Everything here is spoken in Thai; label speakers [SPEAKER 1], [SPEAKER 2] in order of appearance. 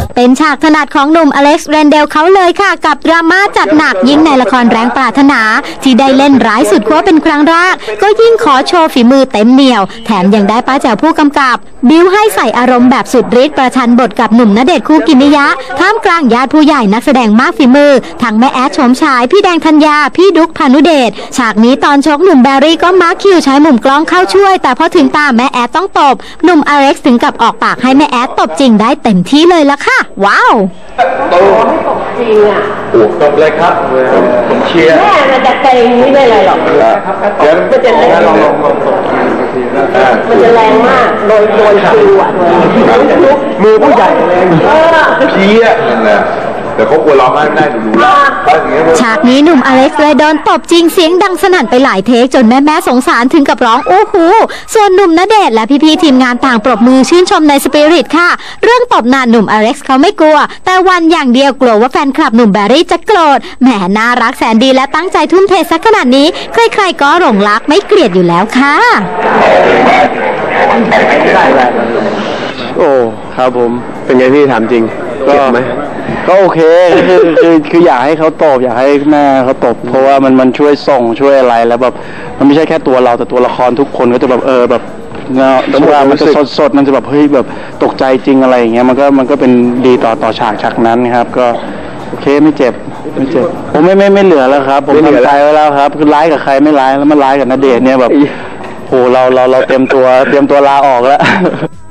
[SPEAKER 1] เป็นฉากถนัดของหนุ่มอเล็กซ์ เรนเดลเขาเลยค่ะกับดราม่าจัดหนักยิ่งในละครแรงปรารถนาที่ได้เล่นร้ายสุดขั้วเป็นครั้งแรกก็ยิ่งขอโชว์ฝีมือเต็มเหนียวแถมยังได้ป้าแจ๋วผู้กำกับบิ้วให้ใส่อารมณ์แบบสุดฤทธิ์ประชันบทกับหนุ่มณเดชน์คูกิมิยะท่ามกลางญาติผู้ใหญ่นักแสดงมากฝีมือทั้งแม่แอดโฉมฉายพี่แดงธัญญาพี่ดุ๊กพานุเดชฉากนี้ตอนชกหนุ่มแบรี่ก็มาร์คคิวใช้มุมกล้องเข้าช่วยแต่พอถึงตาแม่แอดต้องตบหนุ่มอเล็กซ์ถึงกับออกปากให้แม่แอดตบจริงได้เต็มที่เลยละค่ะว้าว
[SPEAKER 2] โตไม่ตกจริงอ่ะโอ้ตบเลยครับผมเชียร์แม่มันจะเกรงไม่ได้เลยหรอกมันจะแรงมันจะแรงมากโดนคิวอ่ะมือผู้ใหญ่แรงเพี้ยนั่นแหละแต่เขากลัวร้องไห้ได้ดู
[SPEAKER 1] ฉากนี้หนุ่มอเล็กซ์เลยโดนตบจริงเสียงดังสนั่นไปหลายเทคจนแม่สงสารถึงกับร้องโอ้โหส่วนหนุ่มณเดชน์และพี่ๆทีมงานต่างปรบมือชื่นชมในสปิริตค่ะเรื่องตบหน้าหนุ่มอเล็กซ์เขาไม่กลัวแต่วันอย่างเดียวกลัวว่าแฟนคลับหนุ่มแบรี่จะโกรธแหมน่ารักแสนดีและตั้งใจทุ่มเทสักขนาดนี้ใครๆก็หลงรักไม่เกลียดอยู่แล้วค่ะ
[SPEAKER 3] โอ้ครับผมเป็นไงพี่ถามจริงก็ไหมก็โอเคคืออยากให้เขาตบอยากให้แม่เขาตบเพราะว่ามันช่วยส่งช่วยอะไรแล้วแบบมันไม่ใช่แค่ตัวเราแต่ตัวละครทุกคนก็จะแบบแบบเวลามันจะสดมันจะแบบเฮ้ยแบบตกใจจริงอะไรอย่างเงี้ยมันก็เป็นดีต่อฉากนั้นครับก็โอเคไม่เจ็บผมไม่เหลือแล้วครับผมทำใจไว้แล้วครับคือร้ายกับใครไม่ร้ายแล้วมันร้ายกับณเดชน์เนี่ยแบบโหเราเตรียมตัวลาออกแล้ว